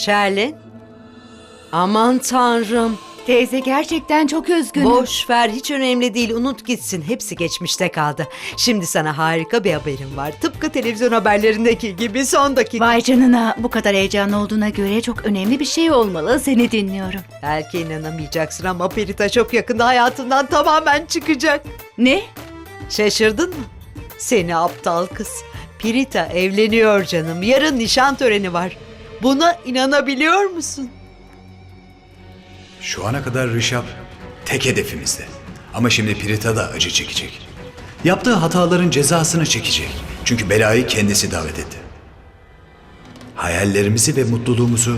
Şerlin. Aman tanrım. Teyze gerçekten çok üzgünüm. Boş ver, hiç önemli değil, unut gitsin. Hepsi geçmişte kaldı. Şimdi sana harika bir haberim var. Tıpkı televizyon haberlerindeki gibi son dakika. Vay canına, bu kadar heyecanlı olduğuna göre çok önemli bir şey olmalı. Seni dinliyorum. Belki inanamayacaksın ama Perita çok yakında hayatından tamamen çıkacak. Ne? Şaşırdın mı? Seni aptal kız. Perita evleniyor canım. Yarın nişan töreni var. Buna inanabiliyor musun? Şu ana kadar Rişap tek hedefimizdi. Ama şimdi Pirita da acı çekecek. Yaptığı hataların cezasını çekecek. Çünkü belayı kendisi davet etti. Hayallerimizi ve mutluluğumuzu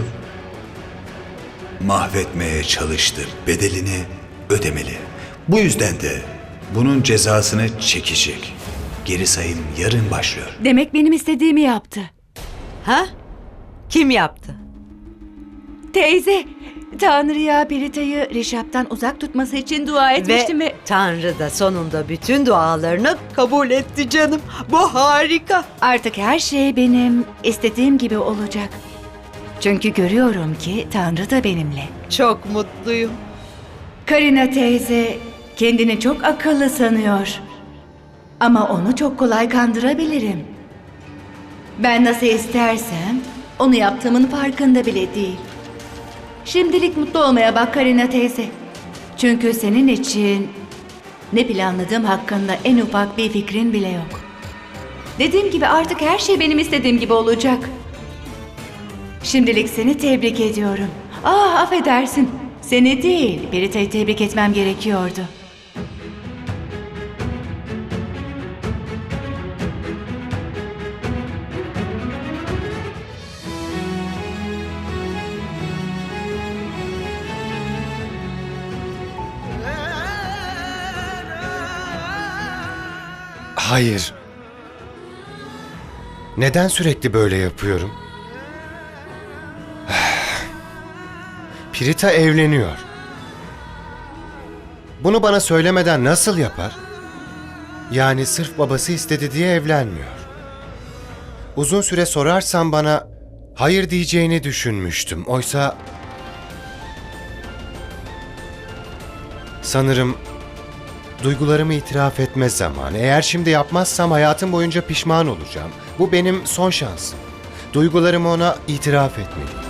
mahvetmeye çalıştı. Bedelini ödemeli. Bu yüzden de bunun cezasını çekecek. Geri sayım yarın başlıyor. Demek benim istediğimi yaptı. Ha? Kim yaptı? Teyze, Tanrı'ya Perita'yı Rişap'tan uzak tutması için dua etmiştim ve... Tanrı da sonunda bütün dualarını kabul etti canım. Bu harika. Artık her şey benim istediğim gibi olacak. Çünkü görüyorum ki Tanrı da benimle. Çok mutluyum. Karina teyze kendini çok akıllı sanıyor. Ama onu çok kolay kandırabilirim. Ben nasıl istersem onu yaptığımın farkında bile değil. Şimdilik mutlu olmaya bak Karina teyze. Çünkü senin için ne planladığım hakkında en ufak bir fikrin bile yok. Dediğim gibi artık her şey benim istediğim gibi olacak. Şimdilik seni tebrik ediyorum. Affedersin. Seni değil, Perita'yı tebrik etmem gerekiyordu. Hayır. Neden sürekli böyle yapıyorum? Pirita evleniyor. Bunu bana söylemeden nasıl yapar? Yani sırf babası istedi diye evlenmiyor. Uzun süre sorarsam bana hayır diyeceğini düşünmüştüm. Oysa sanırım duygularımı itiraf etme zamanı. Eğer şimdi yapmazsam hayatım boyunca pişman olacağım. Bu benim son şansım. Duygularımı ona itiraf etmeliyim.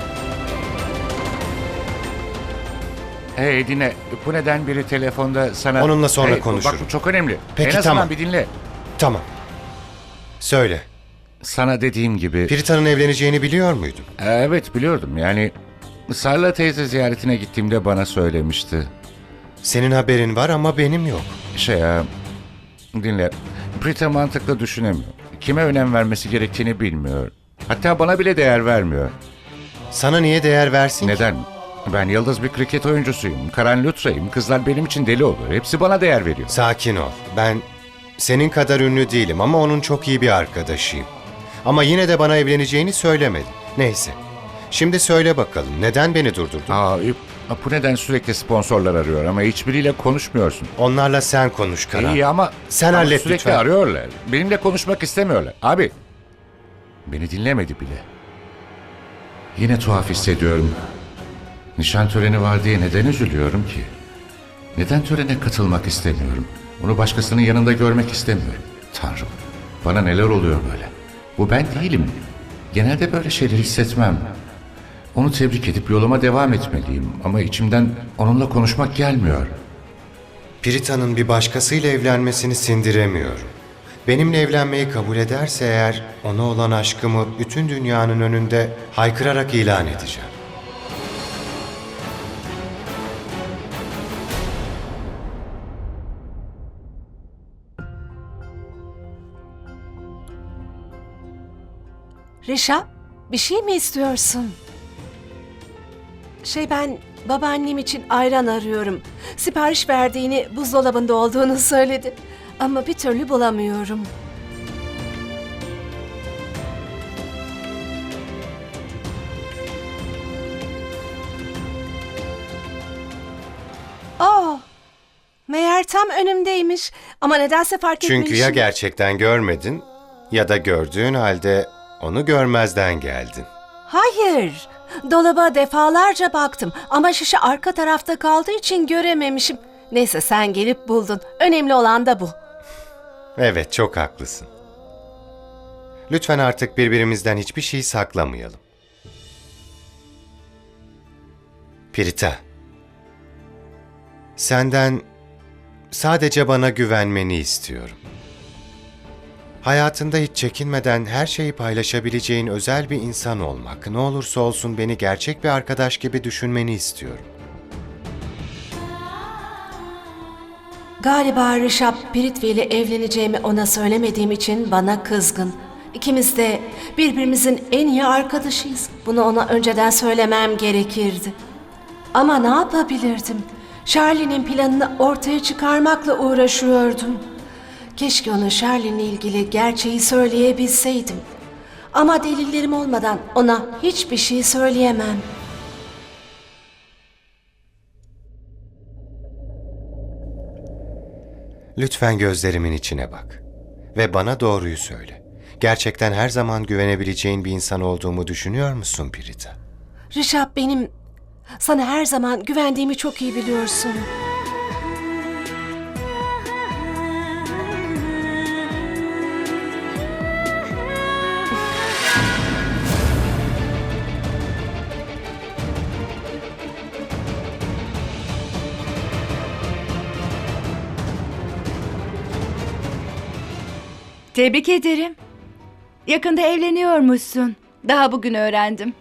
Hey dinle, bu neden biri telefonda sana... Onunla sonra Bak konuşurum. bu çok önemli. Peki, en azından tamam. bir dinle. Tamam. Söyle. Sana dediğim gibi... Pirita'nın evleneceğini biliyor muydun? Evet biliyordum yani... Sarla teyze ziyaretine gittiğimde bana söylemişti. Senin haberin var ama benim yok. Dinle. Prita mantıklı düşünemiyor. Kime önem vermesi gerektiğini bilmiyor. Hatta bana bile değer vermiyor. Sana niye değer versin ki? Neden? Ben yıldız bir kriket oyuncusuyum. Karan Lutra'yım. Kızlar benim için deli olur. Hepsi bana değer veriyor. Sakin ol. Ben senin kadar ünlü değilim ama onun çok iyi bir arkadaşıyım. Ama yine de bana evleneceğini söylemedi. Neyse. Şimdi söyle bakalım neden beni durdurdun? Bu neden sürekli sponsorlar arıyor ama hiçbiriyle konuşmuyorsun? Onlarla sen konuş Karan. İyi ama... Sen hallet sürekli lütfen. arıyorlar. Benimle konuşmak istemiyorlar. Abi, beni dinlemedi bile. Yine tuhaf hissediyorum. Nişan töreni var diye neden üzülüyorum ki? Neden törene katılmak istemiyorum? Onu başkasının yanında görmek istemiyorum. Tanrım, bana neler oluyor böyle? Bu ben değilim. Genelde böyle şeyler hissetmem. Onu tebrik edip yoluma devam etmeliyim. Ama içimden onunla konuşmak gelmiyor. Pirita'nın bir başkasıyla evlenmesini sindiremiyorum. Benimle evlenmeyi kabul ederse eğer ona olan aşkımı bütün dünyanın önünde haykırarak ilan edeceğim. Rişap, bir şey mi istiyorsun? Ben babaannem için ayran arıyorum. Sipariş verdiğini, buzdolabında olduğunu söyledi. Ama bir türlü bulamıyorum. Meğer tam önümdeymiş. Ama nedense fark etmemişim. Çünkü ya gerçekten görmedin ya da gördüğün halde onu görmezden geldin. Hayır. Dolaba defalarca baktım ama şişe arka tarafta kaldığı için görememişim. Neyse sen gelip buldun. Önemli olan da bu. Evet, çok haklısın. Lütfen artık birbirimizden hiçbir şey saklamayalım. Pirita, senden sadece bana güvenmeni istiyorum. Hayatında hiç çekinmeden her şeyi paylaşabileceğin özel bir insan olmak, ne olursa olsun beni gerçek bir arkadaş gibi düşünmeni istiyorum. Galiba Rişap Piritvi ile evleneceğimi ona söylemediğim için bana kızgın. İkimiz de birbirimizin en iyi arkadaşıyız. Bunu ona önceden söylemem gerekirdi. Ama ne yapabilirdim? Charlie'nin planını ortaya çıkarmakla uğraşıyordum. Keşke ona Charlie'nin ilgili gerçeği söyleyebilseydim. Ama delillerim olmadan ona hiçbir şey söyleyemem. Lütfen gözlerimin içine bak ve bana doğruyu söyle. Gerçekten her zaman güvenebileceğin bir insan olduğumu düşünüyor musun Pirita? Rişap benim sana her zaman güvendiğimi çok iyi biliyorsun. Tebrik ederim. Yakında evleniyormuşsun. Daha bugün öğrendim.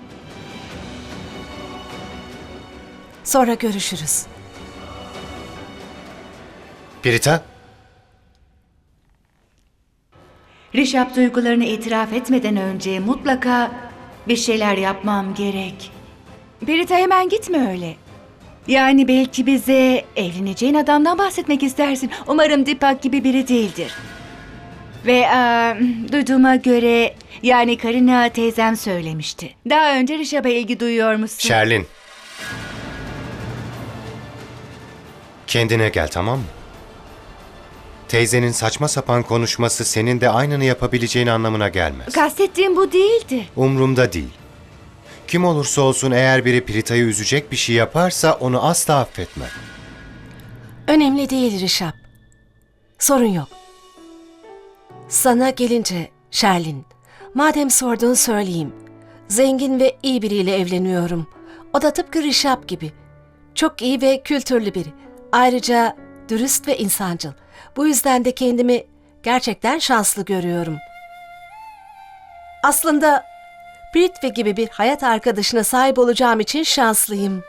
Sonra görüşürüz. Pirita? Rişap duygularını itiraf etmeden önce mutlaka bir şeyler yapmam gerek. Pirita hemen gitme öyle. Yani belki bize evleneceğin adamdan bahsetmek istersin. Umarım Deepak gibi biri değildir. Ve duyduğuma göre yani Karina teyzem söylemişti. Daha önce Rişap'a ilgi duyuyor musun? Sherlin. Kendine gel, tamam mı? Teyzenin saçma sapan konuşması senin de aynını yapabileceğin anlamına gelmez. Kastettiğim bu değildi. Umrumda değil. Kim olursa olsun eğer biri Pirita'yı üzecek bir şey yaparsa onu asla affetmem. Önemli değil Rişap. Sorun yok. Sana gelince Sherlin, madem sordun söyleyeyim. Zengin ve iyi biriyle evleniyorum. O da tıpkı Rişap gibi. Çok iyi ve kültürlü biri. Ayrıca dürüst ve insancıl. Bu yüzden de kendimi gerçekten şanslı görüyorum. Aslında Piritvi gibi bir hayat arkadaşına sahip olacağım için şanslıyım.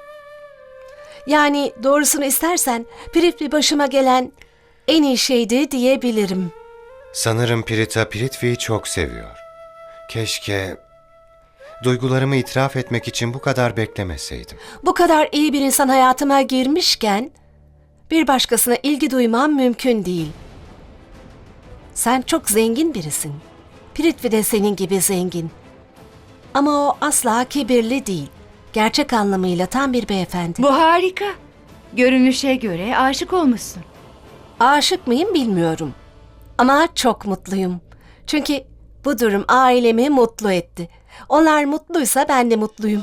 Yani doğrusunu istersen Piritvi başıma gelen en iyi şeydi diyebilirim. Sanırım Pirita Piritvi'yi çok seviyor. Keşke duygularımı itiraf etmek için bu kadar beklemeseydim. Bu kadar iyi bir insan hayatıma girmişken bir başkasına ilgi duymam mümkün değil. Sen çok zengin birisin. Piritvi de senin gibi zengin. Ama o asla kibirli değil. Gerçek anlamıyla tam bir beyefendi. Bu harika. Görünüşe göre aşık olmuşsun. Aşık mıyım bilmiyorum. Ama çok mutluyum. Çünkü bu durum ailemi mutlu etti. Onlar mutluysa ben de mutluyum.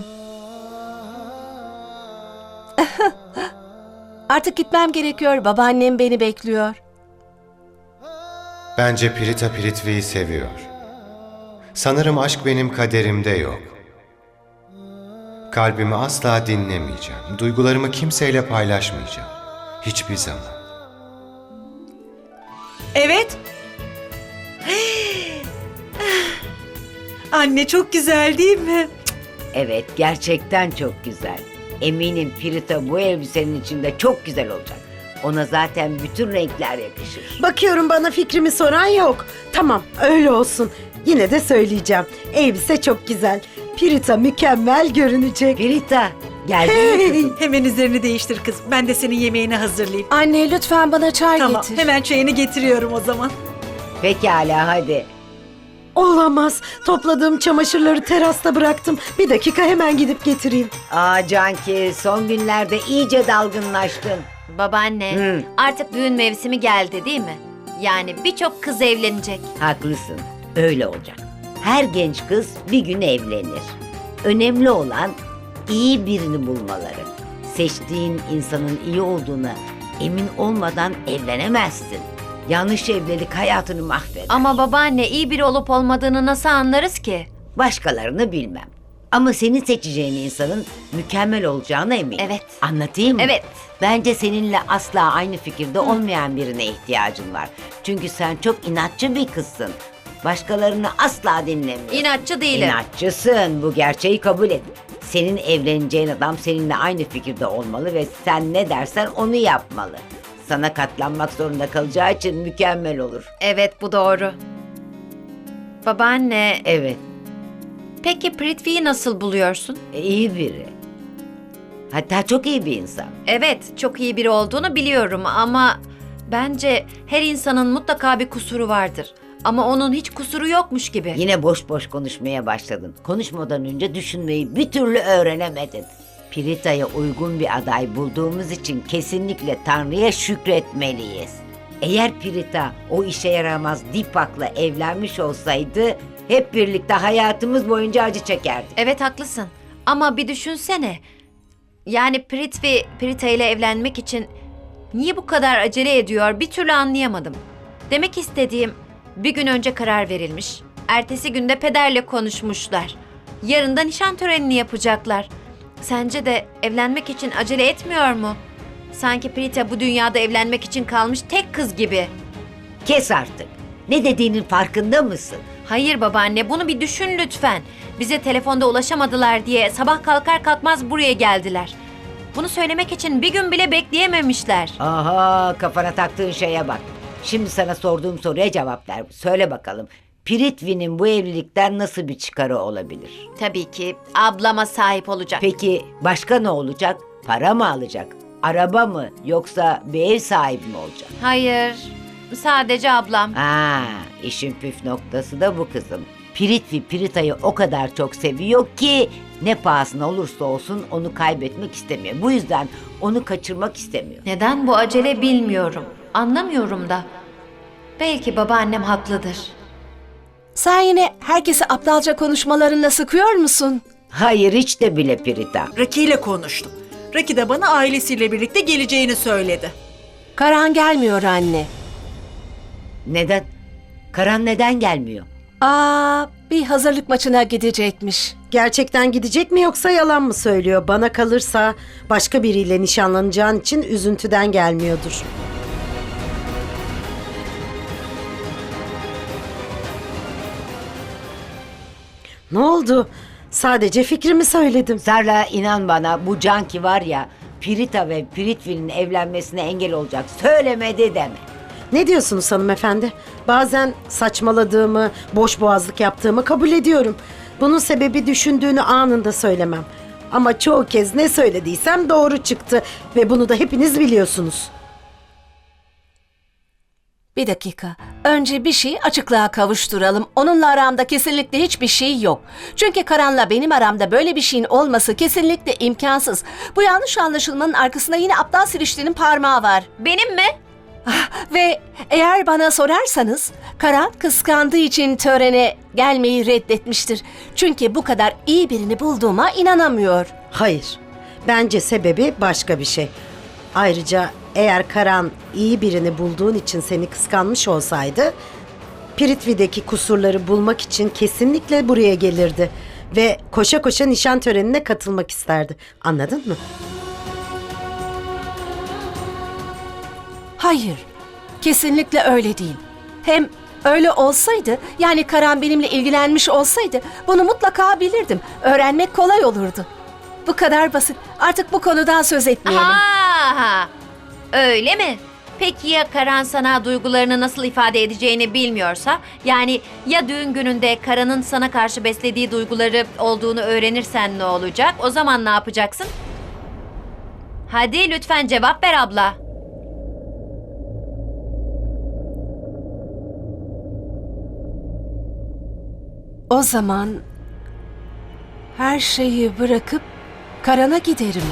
Artık gitmem gerekiyor. Babaannem beni bekliyor. Bence Pirita Piritvi'yi seviyor. Sanırım aşk benim kaderimde yok. Kalbimi asla dinlemeyeceğim. Duygularımı kimseyle paylaşmayacağım. Hiçbir zaman. Evet. Anne çok güzel değil mi? Evet, gerçekten çok güzel. Eminim Pirita bu elbisenin içinde çok güzel olacak. Ona zaten bütün renkler yakışır. Bakıyorum bana fikrimi soran yok. Tamam, öyle olsun. Yine de söyleyeceğim. Elbise çok güzel. Pirita mükemmel görünecek. Pirita, geldin mi kızım? Hemen üzerini değiştir kız. Ben de senin yemeğini hazırlayayım. Anne lütfen bana çay Tamam, getir. hemen çayını getiriyorum o zaman. Pekala, hadi. Olamaz. Topladığım çamaşırları terasta bıraktım. Bir dakika hemen gidip getireyim. Aa Canki, son günlerde iyice dalgınlaştın. Babaanne, artık düğün mevsimi geldi değil mi? Yani birçok kız evlenecek. Haklısın, öyle olacak. Her genç kız bir gün evlenir. Önemli olan iyi birini bulmaları. Seçtiğin insanın iyi olduğuna emin olmadan evlenemezsin. Yanlış evlilik hayatını mahveder. Ama babaanne iyi biri olup olmadığını nasıl anlarız ki? Başkalarını bilmem. Ama senin seçeceğin insanın mükemmel olacağına eminim. Evet. Anlatayım mı? Evet. Bence seninle asla aynı fikirde olmayan birine ihtiyacın var. Çünkü sen çok inatçı bir kızsın. Başkalarını asla dinlemiyorsun. İnatçı değilim. İnatçısın. Bu gerçeği kabul et. Senin evleneceğin adam seninle aynı fikirde olmalı ve sen ne dersen onu yapmalı. Sana katlanmak zorunda kalacağı için mükemmel olur. Evet, bu doğru. Babaanne, Evet, peki Prithvi'yi nasıl buluyorsun? iyi biri. Hatta çok iyi bir insan. Evet, çok iyi biri olduğunu biliyorum ama bence her insanın mutlaka bir kusuru vardır. Ama onun hiç kusuru yokmuş gibi. Yine boş boş konuşmaya başladın. Konuşmadan önce düşünmeyi bir türlü öğrenemedin. Pirita'ya uygun bir aday bulduğumuz için kesinlikle Tanrı'ya şükretmeliyiz. Eğer Pirita o işe yaramaz Dipak'la evlenmiş olsaydı hep birlikte hayatımız boyunca acı çekerdik. Evet, haklısın. Ama bir düşünsene. Yani Prithvi, Pirita ile evlenmek için niye bu kadar acele ediyor bir türlü anlayamadım. Demek istediğim, bir gün önce karar verilmiş. Ertesi günde pederle konuşmuşlar. Yarın da nişan törenini yapacaklar. Sence de evlenmek için acele etmiyor mu? Sanki Prita bu dünyada evlenmek için kalmış tek kız gibi. Kes artık. Ne dediğinin farkında mısın? Hayır babaanne, bunu bir düşün lütfen. Bize telefonda ulaşamadılar diye sabah kalkar kalkmaz buraya geldiler. Bunu söylemek için bir gün bile bekleyememişler. Aha, kafana taktığın şeye bak. Şimdi sana sorduğum soruya cevap ver. Söyle bakalım. Prithvi'nin bu evlilikten nasıl bir çıkarı olabilir? Tabii ki ablama sahip olacak. Peki başka ne olacak? Para mı alacak? Araba mı? Yoksa bir ev sahibi mi olacak? Hayır, sadece ablam. İşin püf noktası da bu kızım. Prithvi Pirita'yı o kadar çok seviyor ki ne pahasına olursa olsun onu kaybetmek istemiyor. Bu yüzden onu kaçırmak istemiyor. Neden bu acele bilmiyorum. Anlamıyorum da. Belki babaannem haklıdır. Sen yine herkese aptalca konuşmalarınla sıkıyor musun? Hayır, hiç de bile Pirita. Raki ile konuştum. Raki de bana ailesiyle birlikte geleceğini söyledi. Karan gelmiyor anne. Neden? Karan neden gelmiyor? Bir hazırlık maçına gidecekmiş. Gerçekten gidecek mi yoksa yalan mı söylüyor? Bana kalırsa başka biriyle nişanlanacağın için üzüntüden gelmiyordur. Ne oldu? Sadece fikrimi söyledim. Sarla, inan bana, bu Canki var ya, Pirita ve Prithvi'nin evlenmesine engel olacak. Söylemedi deme. Ne diyorsunuz hanımefendi? Bazen saçmaladığımı, boş boğazlık yaptığımı kabul ediyorum. Bunun sebebi düşündüğünü anında söylemem. Ama çoğu kez ne söylediysem doğru çıktı ve bunu da hepiniz biliyorsunuz. Bir dakika. Önce bir şeyi açıklığa kavuşturalım. Onunla aramda kesinlikle hiçbir şey yok. Çünkü Karan'la benim aramda böyle bir şeyin olması kesinlikle imkansız. Bu yanlış anlaşılmanın arkasında yine aptal Sirişti'nin parmağı var. Benim mi? Ve eğer bana sorarsanız Karan kıskandığı için törene gelmeyi reddetmiştir. Çünkü bu kadar iyi birini bulduğuma inanamıyor. Hayır. Bence sebebi başka bir şey. Ayrıca eğer Karan iyi birini bulduğun için seni kıskanmış olsaydı, Prithvi'deki kusurları bulmak için kesinlikle buraya gelirdi ve koşa koşa nişan törenine katılmak isterdi. Anladın mı? Hayır, kesinlikle öyle değil. Hem öyle olsaydı, yani Karan benimle ilgilenmiş olsaydı bunu mutlaka bilirdim. Öğrenmek kolay olurdu. Bu kadar basit. Artık bu konudan söz etmeyelim. Ha, öyle mi? Peki ya Karan sana duygularını nasıl ifade edeceğini bilmiyorsa? Yani ya düğün gününde Karan'ın sana karşı beslediği duyguları olduğunu öğrenirsen ne olacak? O zaman ne yapacaksın? Hadi lütfen cevap ver abla. O zaman her şeyi bırakıp Karan'a giderim.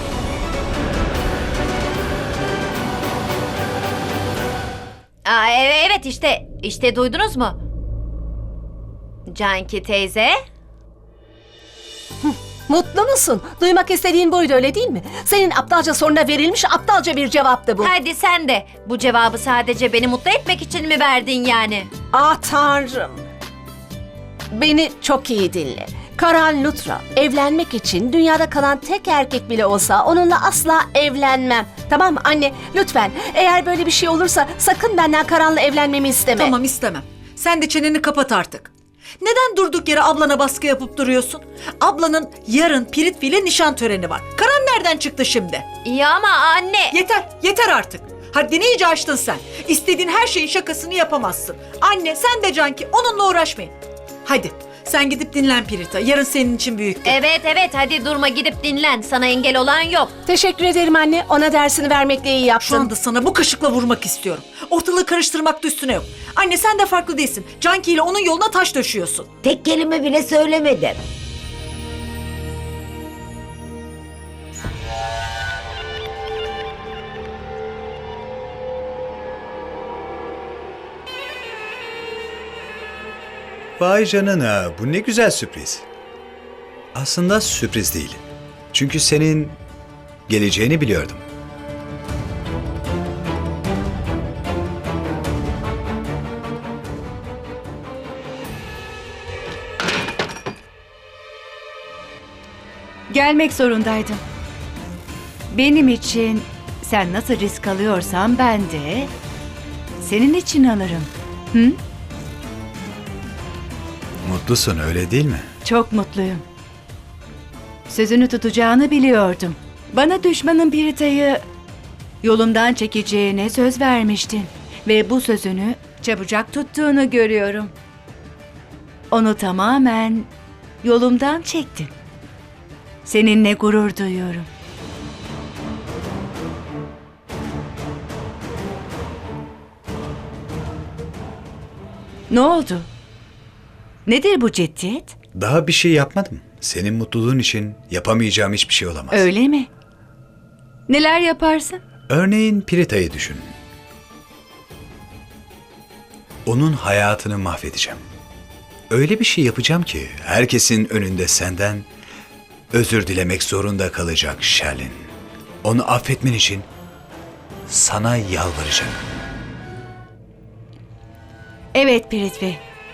Evet işte duydunuz mu? Canki teyze. Mutlu musun? Duymak istediğin buydu öyle değil mi? Senin aptalca soruna verilmiş aptalca bir cevaptı bu. Hadi sen de. Bu cevabı sadece beni mutlu etmek için mi verdin yani? Ah Tanrım. Beni çok iyi dinle. Karan Luthra evlenmek için dünyada kalan tek erkek bile olsa onunla asla evlenmem. Tamam mı anne? Lütfen eğer böyle bir şey olursa sakın benden Karan'la evlenmemi isteme. Tamam, istemem. Sen de çeneni kapat artık. Neden durduk yere ablana baskı yapıp duruyorsun? Ablanın yarın Piritvi ile nişan töreni var. Karan nereden çıktı şimdi? İyi ama anne. Yeter artık. Haddini iyice aştın sen. İstediğin her şeyin şakasını yapamazsın. Anne, sen de Canki, onunla uğraşmayın. Hadi sen gidip dinlen Pirita. Yarın senin için büyük gün. Evet hadi durma, gidip dinlen. Sana engel olan yok. Teşekkür ederim anne. Ona dersini vermekle iyi yaptın. Şu anda sana bu kaşıkla vurmak istiyorum. Ortalığı karıştırmak da üstüne yok. Anne, sen de farklı değilsin. Canki ile onun yoluna taş döşüyorsun. Tek kelime bile söylemedim. Vay canına, bu ne güzel sürpriz. Aslında sürpriz değil. Çünkü senin geleceğini biliyordum. Gelmek zorundaydım. Benim için sen nasıl risk alıyorsan ben de senin için alırım. Hı? Mutlusun öyle değil mi? Çok mutluyum. Sözünü tutacağını biliyordum. Bana düşmanın Pirita'yı yolumdan çekeceğine söz vermiştin. Ve bu sözünü çabucak tuttuğunu görüyorum. Onu tamamen yolumdan çektin. Seninle gurur duyuyorum. Ne oldu? Nedir bu ciddiyet? Daha bir şey yapmadım. Senin mutluluğun için yapamayacağım hiçbir şey olamaz. Öyle mi? Neler yaparsın? Örneğin Pirita'yı düşün. Onun hayatını mahvedeceğim. Öyle bir şey yapacağım ki herkesin önünde senden özür dilemek zorunda kalacak Sherlin. Onu affetmen için sana yalvaracağım. Evet Piritvi.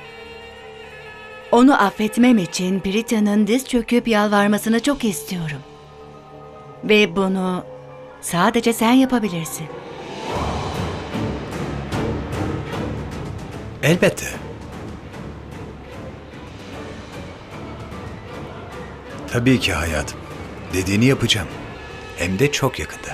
Onu affetmem için Pirita'nın diz çöküp yalvarmasını çok istiyorum. Ve bunu sadece sen yapabilirsin. Elbette. Tabii ki hayatım. Dediğini yapacağım. Hem de çok yakında.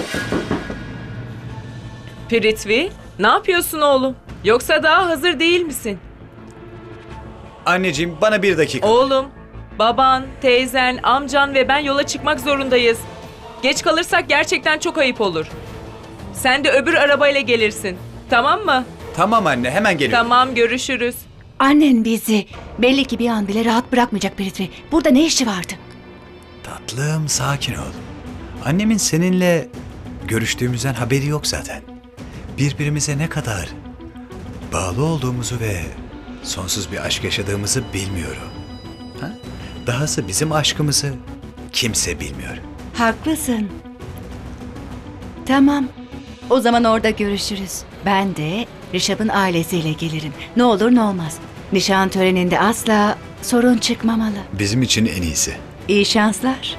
Piritvi, ne yapıyorsun oğlum? Yoksa daha hazır değil misin? Anneciğim bana bir dakika. Oğlum, baban, teyzen, amcan ve ben yola çıkmak zorundayız. Geç kalırsak gerçekten çok ayıp olur. Sen de öbür arabayla gelirsin. Tamam mı? Tamam anne hemen geliyorum. Tamam, görüşürüz. Annen bizi belli ki bir an bile rahat bırakmayacak Piritvi. Burada ne işi vardı? Tatlım sakin ol. Annemin seninle görüştüğümüzden haberi yok zaten. Birbirimize ne kadar bağlı olduğumuzu ve sonsuz bir aşk yaşadığımızı bilmiyorum. Ha? Dahası bizim aşkımızı kimse bilmiyor. Haklısın. Tamam. O zaman orada görüşürüz. Ben de Rişap'ın ailesiyle gelirim. Ne olur ne olmaz. Nişan töreninde asla sorun çıkmamalı. Bizim için en iyisi. İyi şanslar.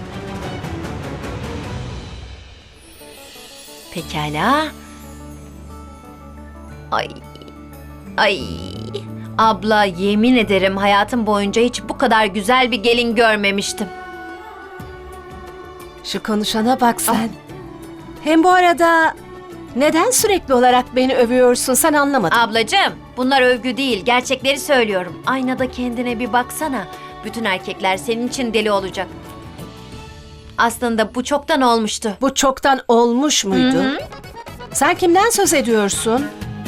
Pekala. Ay. Abla, yemin ederim hayatım boyunca hiç bu kadar güzel bir gelin görmemiştim. Şu konuşana bak sen. Hem bu arada neden sürekli olarak beni övüyorsun sen anlamadım. Ablacığım, bunlar övgü değil, gerçekleri söylüyorum. Aynada kendine bir baksana. Bütün erkekler senin için deli olacak. Aslında bu çoktan olmuştu. Bu çoktan olmuş muydu? Sen kimden söz ediyorsun?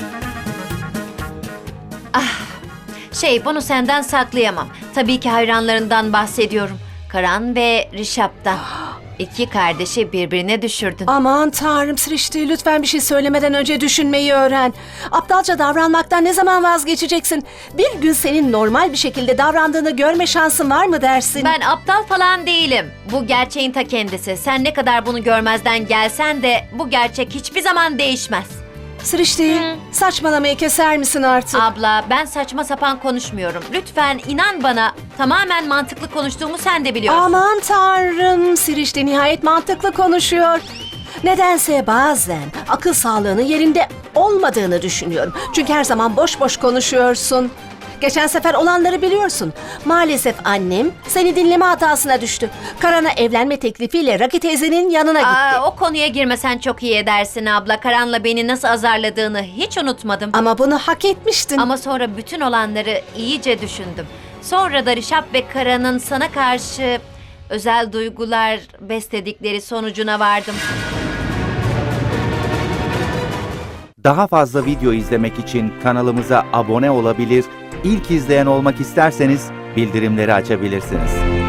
Bunu senden saklayamam. Tabii ki hayranlarından bahsediyorum. Karan ve Rişap'tan. İki kardeşi birbirine düşürdün. Aman tanrım Srişti, lütfen bir şey söylemeden önce düşünmeyi öğren. Aptalca davranmaktan ne zaman vazgeçeceksin? Bir gün senin normal bir şekilde davrandığını görme şansın var mı dersin? Ben aptal falan değilim. Bu gerçeğin ta kendisi. Sen ne kadar bunu görmezden gelsen de bu gerçek hiçbir zaman değişmez. Srişti, saçmalamayı keser misin artık? Abla, ben saçma sapan konuşmuyorum. Lütfen inan bana. Tamamen mantıklı konuştuğumu sen de biliyorsun. Aman tanrım, Srişti nihayet mantıklı konuşuyor. Nedense bazen akıl sağlığının yerinde olmadığını düşünüyorum. Çünkü her zaman boş boş konuşuyorsun. Geçen sefer olanları biliyorsun. Maalesef annem seni dinleme hatasına düştü. Karan'a evlenme teklifiyle Raki teyzenin yanına gitti. O konuya girmesen çok iyi edersin abla. Karan'la beni nasıl azarladığını hiç unutmadım. Ama bunu hak etmiştin. Ama sonra bütün olanları iyice düşündüm. Sonra da Rişap ve Karan'ın sana karşı özel duygular besledikleri sonucuna vardım. Daha fazla video izlemek için kanalımıza abone olabilir, ilk izleyen olmak isterseniz bildirimleri açabilirsiniz.